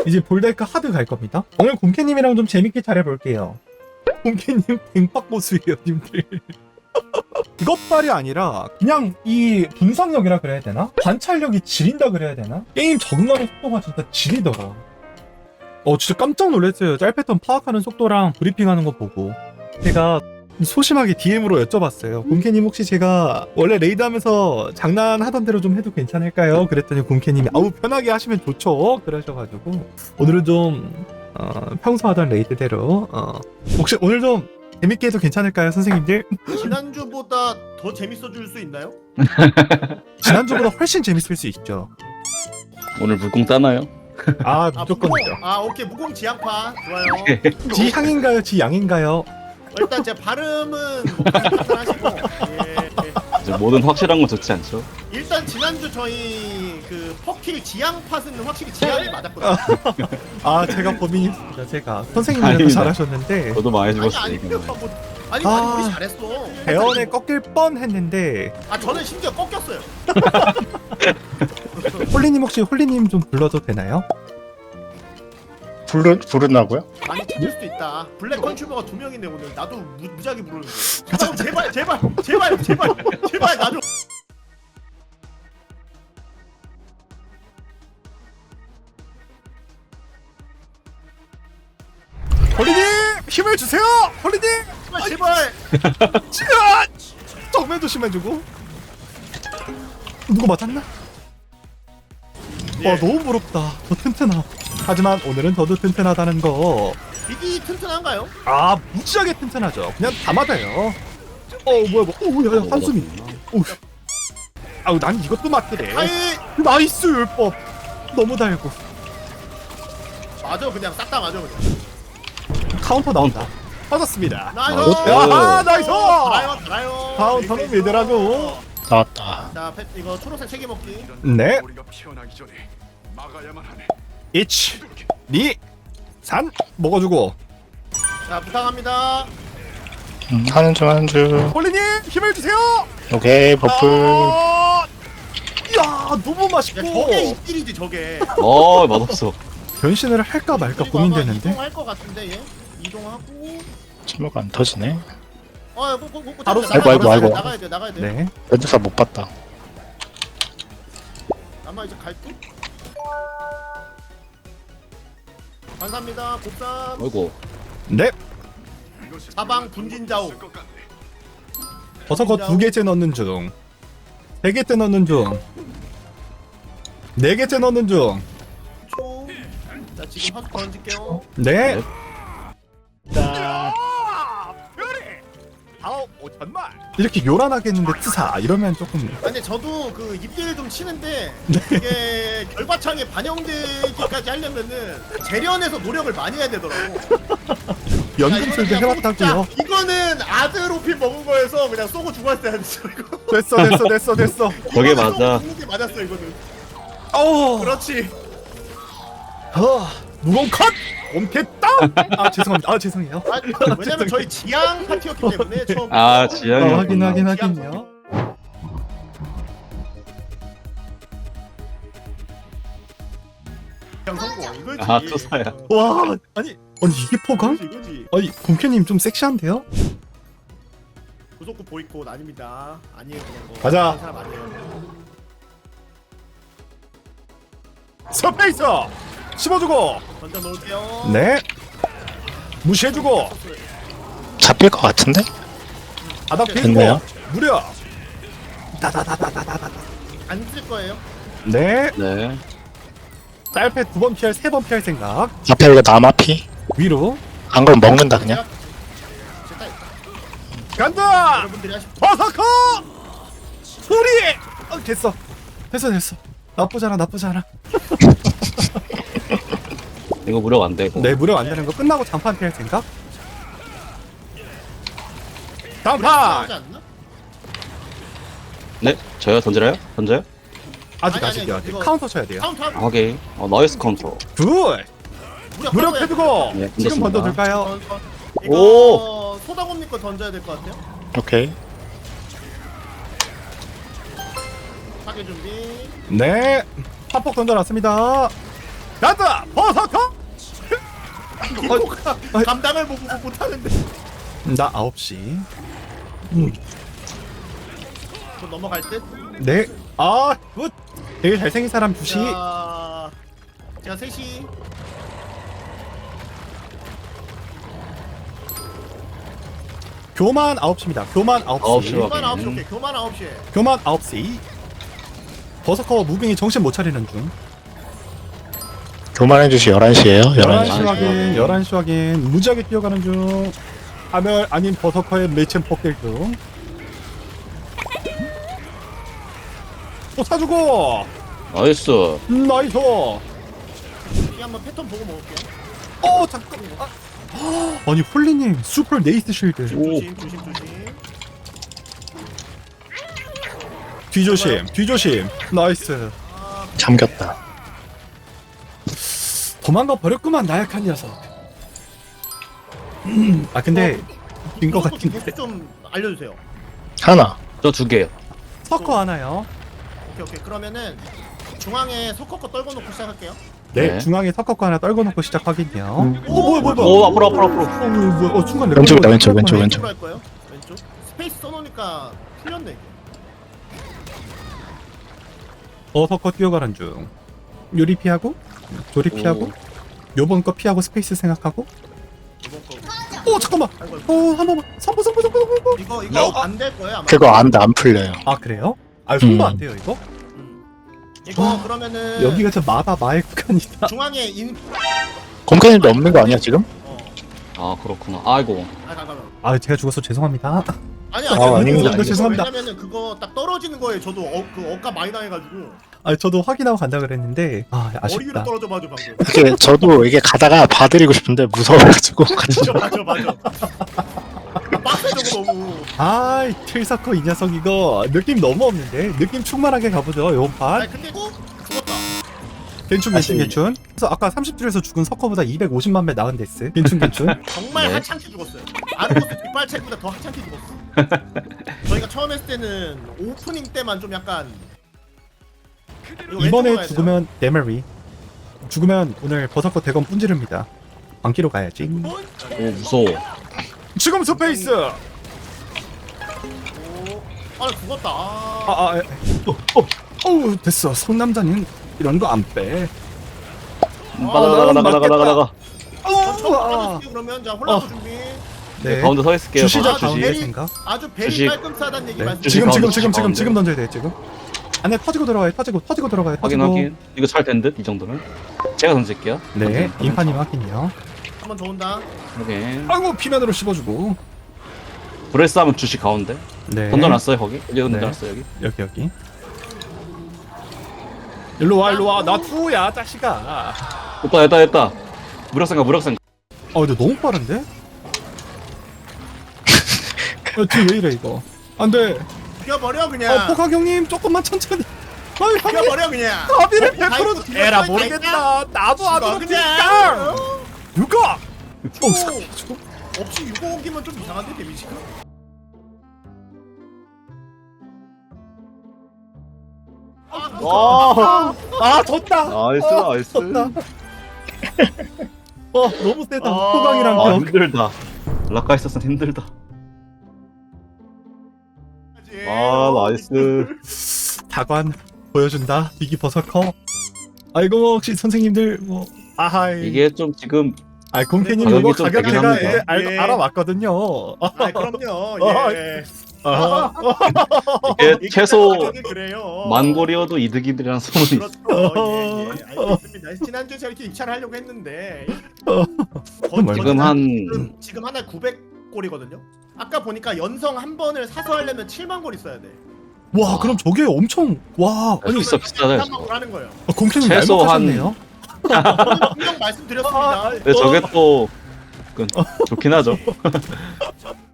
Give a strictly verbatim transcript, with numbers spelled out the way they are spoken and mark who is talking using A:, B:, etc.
A: 이제 볼데크 하드 갈 겁니다. 오늘 곰캐님이랑 좀 재밌게 잘해볼게요. 곰캐님 뱅박 보수예요 님들. 그것빨이 아니라 그냥 이 분석력이라 그래야 되나? 관찰력이 지린다 그래야 되나? 게임 적응하는 속도가 진짜 지리더라. 어 진짜 깜짝 놀랐어요. 짤 패턴 파악하는 속도랑 브리핑하는 거 보고. 제가 소심하게 디엠으로 여쭤봤어요. 곰캐님 혹시 제가 원래 레이드 하면서 장난하던 대로 좀 해도 괜찮을까요? 그랬더니 곰캐님이 아우 편하게 하시면 좋죠 그러셔가지고 오늘은 좀 어, 평소 하던 레이드대로 어, 혹시 오늘 좀 재밌게 해도 괜찮을까요 선생님들?
B: 지난주보다 더 재밌어질 수 있나요?
A: 지난주보다 훨씬 재밌을 수 있죠.
C: 오늘 물공 따나요?
A: 아
B: 아,
A: 무조건
B: 무공,
A: 죠
B: 아 오케이 무공 지향파 좋아요.
A: 지향인가요 지양인가요?
B: 일단 제 발음은 하시고 예, 예.
C: 이제 뭐든 확실한 건 좋지 않죠?
B: 일단 지난주 저희 그 퍼킬 지향 팟은 확실히 지향이 맞았거든요.
A: 아 제가 범인이었습니다. 제가 선생님이 더
C: 아닙니다.
A: 잘하셨는데
C: 저도 많이
B: 아니
C: 죽었어요
B: 아니
C: 이거.
B: 뭐, 아니
A: 아.
B: 아니 우리 잘했어.
A: 대원에 꺾일 뻔했는데
B: 아 저는 심지어 꺾였어요.
A: 홀리님 혹시 홀리님 좀 불러도 되나요?
D: 부르, 부르나고요?
B: 많이 찾을 수도 있다. 블랙 컨슈머가 두 명인데 오늘 나도 무, 무지하게 부르는데. 아, 제발 제발 제발 제발 제발 나도.
A: 홀리님 힘을 주세요. 홀리님
B: 제발.
A: 치아 정면 조심해주고. 누구 맞았나?
B: 예.
A: 와 너무 부럽다. 더 튼튼하. 하지만 오늘은 더도 튼튼하다는 거.
B: 이기 튼튼한가요?
A: 아 무지하게 튼튼하죠. 그냥 다 맞아요. 어 뭐야 뭐. 어 뭐야 야, 한숨이. 오. 아우 난 이것도 맞더래.
B: 아이
A: 나이스 율법. 너무 달고.
B: 맞아 그냥 싹 다 맞아 그냥.
A: 카운터 나온다. 맞았습니다.
B: 나이스.
A: 야 나이스.
B: 달아요 달아요.
A: 카운터는 믿으라고.
D: 나왔다.
B: 자 펫, 이거 초록색 세개 먹기.
A: 네.
E: 우리가 피어나기 전에 막아야만 하네.
A: 일, 이, 삼 먹어주고.
B: 자 부탁합니다.
D: 음, 하는 중 하는 중.
A: 홀리님 힘을 주세요.
D: 오케이 버플.
A: 아, 이야 너무
B: 야
A: 맛있고.
B: 저게 입질이지 저게.
C: 어 맛없어.
A: 변신을 할까 말까
B: 그리고 아마
A: 고민되는데.
B: 이동할 것 같은데 얘. 이동하고.
D: 침묵 안 터지네.
B: 아, 뭐, 뭐, 뭐,
A: 바로
B: 나가야
D: 아이고, 아이고, 아이고.
B: 나가야 돼, 나가야 돼.
A: 네.
D: 렌즈사 못 봤다.
B: 아마 이제 갈 듯. 감사합니다. 곱삼
C: 아이고.
A: 네.
B: 사방 분진자오.
A: 버섯거 두 개째 넣는 중. 세 개째 넣는 중. 네 개째 넣는 중.
B: 초. 자 지금 화수 던질게요.
A: 네.
D: 자,
A: 아우 오천만. 이렇게 요란하게 했는데 트사 이러면 조금.
B: 아니 근데 저도 그 입질 좀 치는데
A: 네.
B: 이게 결과창에 반영되기까지 하려면은 재련에서 노력을 많이 해야 되더라고.
A: 연금술도
B: 야, 이거는
A: 해봤다고요.
B: 진짜 이거는 아드로핀 먹은 거에서 그냥 쏘고 죽었어야 했어 이거.
A: 됐어 됐어 됐어 됐어.
C: 저게
B: 이거는 쏘고
C: 맞아.
B: 죽는 게 맞았어 이거는.
A: 어.
B: 그렇지.
A: 어. 무공 컷. 옴겠다. 아 죄송합니다. 아 죄송해요.
B: 아니, 왜냐면 저희 지향 파티였기 때문에 처음.
C: 아 지향이.
A: 어, 확인 확인 확인요.
B: 지향 성공 이거지.
C: 아 투사야.
A: 와 아니 아니 이게 포강?
B: 이거지 이거지.
A: 아니 곰캐님 좀 섹시한데요?
B: 구속구 보이콧 아닙니다. 아니에요 그런 거.
A: 가자.
B: 그런 사람 아니에요.
A: 서페이스 씹어주고.
B: 던져 놓을게요.
A: 네. 무시해주고.
D: 잡힐 것 같은데?
A: 바닥 피고.
D: 됐네요.
A: 무려. 다다다다다다다.
B: 안쓸 거예요.
A: 네.
C: 네.
A: 짤패 두 번 피할 세 번 피할 생각.
D: 앞에 이거 남아피.
A: 위로.
D: 안 그럼 먹는다 그냥.
B: 제가
A: 간다.
B: 여러분들이 하실
A: 버서커. 소리. 어, 됐어. 됐어 됐어. 나쁘지 않아 나쁘지 않아.
C: 이거 무력 안 되고.
A: 네 무력 안 되는 거 끝나고 장판 피할 생각. 장판.
B: 하지 않나?
C: 네. 저요 던지나요? 던져요?
A: 아직
B: 아니,
A: 아직이요.
B: 아니,
A: 아직
B: 이거-
A: 카운터 쳐야 돼요.
B: 카운트 하고.
C: 하게. 어 나이스 컨트롤.
A: 굿.
B: 무력
A: 무력
B: 하고요.
A: 해주고.
C: 네,
A: 지금
C: 던졌습니다.
A: 던져둘까요?
B: 던- 던- 이거
C: 오!
B: 소다곰님 거 던져야 될 것 같아요.
D: 오케이.
B: 사계 준비.
A: 네. 파폭 던져놨습니다. 가자 버섯커.
B: 이거가
A: 아이.
B: 감당을 못, 못, 못하는데.
A: 나 아홉 시. 음.
B: 저 넘어갈 듯.
A: 네. 아, 굿. 되게 잘생긴 사람 두 시.
B: 자, 제가 세 시.
A: 교만 아홉 시입니다. 교만 아홉
C: 아홉
A: 시.
C: 시로.
B: 교만 아홉 시
C: 확인.
B: 오케이. 교만 아홉 시에.
A: 교만 아홉 시. 버서커 무빙이 정신 못 차리는 중.
D: 교만해 주시 열한 시에요.
A: 열한 시
D: 열한 시.
A: 확인. 열한 시 확인. 무지하게 뛰어가는 중. 하멸 아닌 버서커의 매첸 폭딜 중. 또 사주고.
C: 나이스.
A: 나이스.
B: 이 한번 패턴 보고 먹을게요.
A: 어 잠깐. 아. 아니 홀리님 슈퍼 네이스 쉴드.
C: 오.
B: 조심 조심 조심.
A: 뒤조심. 뒤조심. 나이스.
D: 잠겼다.
A: 도망가 버렸구만 나약한 녀석. 음, 아 근데 빈 거
B: 이것도
A: 같은데.
B: 개수 좀 알려주세요.
D: 하나.
C: 저 두 개요.
A: 서커 하나요?
B: 오케이 오케이. 그러면은 중앙에 석커 거 떨궈 놓고 시작할게요.
A: 네,
C: 네.
A: 중앙에 서커 거 하나 떨궈 놓고 시작 확인요.
D: 음.
A: 오 뭐야 뭐야 뭐야.
C: 오, 앞으로, 앞으로, 앞으로.
A: 어, 뭐야, 어 순간 내
D: 왼쪽이다,
A: 거
D: 왼쪽,
A: 뻔-
D: 왼쪽, 왼쪽.
B: 왼쪽으로 할 거예요. 왼쪽. 스페이스 써놓으니까 풀렸네 이게.
A: 어 서커 뛰어가는 중. 요리 피하고 조리 피하고 요번 거 피하고 스페이스 생각하고.
B: 이번 거.
A: 오 잠깐만.
B: 아이고
A: 어한 번만. 선보 선보 선보 선보.
B: 이거 이거 안 될 거예요 아마.
D: 그거 안 돼, 안 풀려요.
A: 아 그래요? 아 손도
D: 음.
A: 안 돼요 이거?
B: 음. 이거 그러면은
A: 여기가 저 마다 마의 구간이다.
B: 중앙에 인.
D: 공캐님도 없는 거 아니야 지금?
B: 어.
C: 아, 그렇구나. 아이고.
B: 아 잠깐만.
A: 아 제가 죽어서 죄송합니다.
B: 아니
D: 아,
B: 아니
D: 아닙니다,
B: 아니
A: 아닙니다. 죄송합니다.
B: 왜냐면은 그거 딱 떨어지는 거에 저도 어, 그 억까 많이 당해가지고
A: 아 저도 확인하고 간다 그랬는데 아
B: 머리 위로
A: 아쉽다.
B: 떨어져 봐줘 방금.
D: 이게 저도 이게 가다가 봐드리고 싶은데 무서워가지고 같이
B: 진짜 맞아 맞아. 빡세 저거 너무.
A: 아이 틀사커 이 녀석 이거 느낌 너무 없는데 느낌 충만하게 가보죠 요번 판.
B: 아니 근데 꼭 죽었다.
A: 괜춘 괜춘 괜춘. 그래서 아까 삼십 줄에서 죽은 서커보다 이백오십만 배 나은 데스. 괜춘 괜춘.
B: 정말
C: 네.
B: 하찮게 죽었어요. 아르고스 뒷발책보다 더 하찮게 죽었어. 저희가 처음 했을 때는 오프닝 때만 좀 약간 이거 왼쪽으로 가야
A: 이번에
B: 돼요.
A: 죽으면 데메리. 죽으면 오늘 버섯커 대검 분지릅니다. 광기로 가야지.
C: 오, 무서워.
A: 지금 스페이스.
B: 오. 아 죽었다. 아.
A: 아아 아, 어, 어, 어우 됐어. 성남자는 이런 거 안 빼.
C: 나가, 나가, 나가, 나가, 나가, 나가.
B: 저
A: 어우 아.
B: 떨어질게요 그러면 자 홀라프
A: 어.
B: 준비.
A: 네.
C: 가운데 서 있을게요.
A: 주시자
B: 아,
A: 주시의
B: 주시.
A: 생각.
B: 아주 베리
C: 주식.
B: 깔끔하다는 얘기
A: 네.
B: 말씀.
A: 지금 지금
C: 가운데,
A: 지금 지금
C: 가운데.
A: 지금 던져야 돼 지금. 안에 터지고 들어가요. 터지고 터지고 들어가요.
C: 확인,
A: 터지고.
C: 확인. 이거 잘 된 듯, 이 정도면. 제가 던질게요.
A: 네. 인파님 확인이요.
B: 한번 더 온다.
C: 확인.
A: 아이고 피면으로 씹어주고.
C: 브레스 하면 주시 가운데.
A: 네.
C: 던져놨어요, 거기. 여기
A: 네.
C: 던져놨어요, 여기.
A: 여기 여기. 일로 와 일로 와. 나 투야 자식아.
C: 됐다, 됐다, 됐다. 무력생가, 무력생가.
A: 아 근데 너무 빠른데? 야, 뒤왜 이래 이거? 안돼.
B: 죽여버려 그냥.
A: 어 포강 형님 조금만 천천히. 아이 형님
B: 죽여버려 그냥.
A: 가비를
B: 다
A: 백 퍼센트
B: 있고
A: 에라
B: 뒤에
A: 모르겠다. 나도 안
B: 죽어,
A: 오르니까.
B: 그냥.
A: 누가? 어
B: 오.
A: 살려줘.
B: 없이 유공기면 좀 이상한데 데미지가. 아,
C: 와.
A: 아 졌다.
C: 나이스,
A: 어,
C: 나이스.
A: 졌다. 어 너무 세다.
B: 아.
A: 포강이랑
C: 아,
A: 벽.
C: 힘들다. 라카 있었으면 힘들다. 아, 나이스.
A: 다관 보여준다. 비기 버섯커. 아이고 혹시 선생님들 뭐 아하이.
C: 이게 좀 지금
A: 아 공캐님
C: 가격이
A: 이거
C: 좀
A: 가격
C: 되긴
A: 제가
C: 합니다.
A: 이제 알,
B: 예.
A: 알아왔거든요. 아,
B: 아 그럼요.
A: 아,
B: 예.
A: 아,
C: 이게 최소
B: 가격이 그래요.
C: 만골이어도 이득이라는 소문이 있어.
B: 그렇죠. 예, 예. 알겠습니다. 지난주에 제가 이렇게 입찰을 하려고 했는데
A: 정말.
C: 지금 한
B: 지금, 지금 하나에 구백 골이거든요. 아까 보니까 연성 한 번을 사서 하려면 칠만 골 있어야 돼.
A: 와 그럼 저게 엄청 와 아니
C: 비싸, 비싸요,
B: 삼만 골 하는 거예요.
A: 아, 공캐님
C: 최소
A: 날먹하셨네요.
B: 분명 말씀드렸습니다.
C: 근데 저게 또 그, 좋긴 하죠.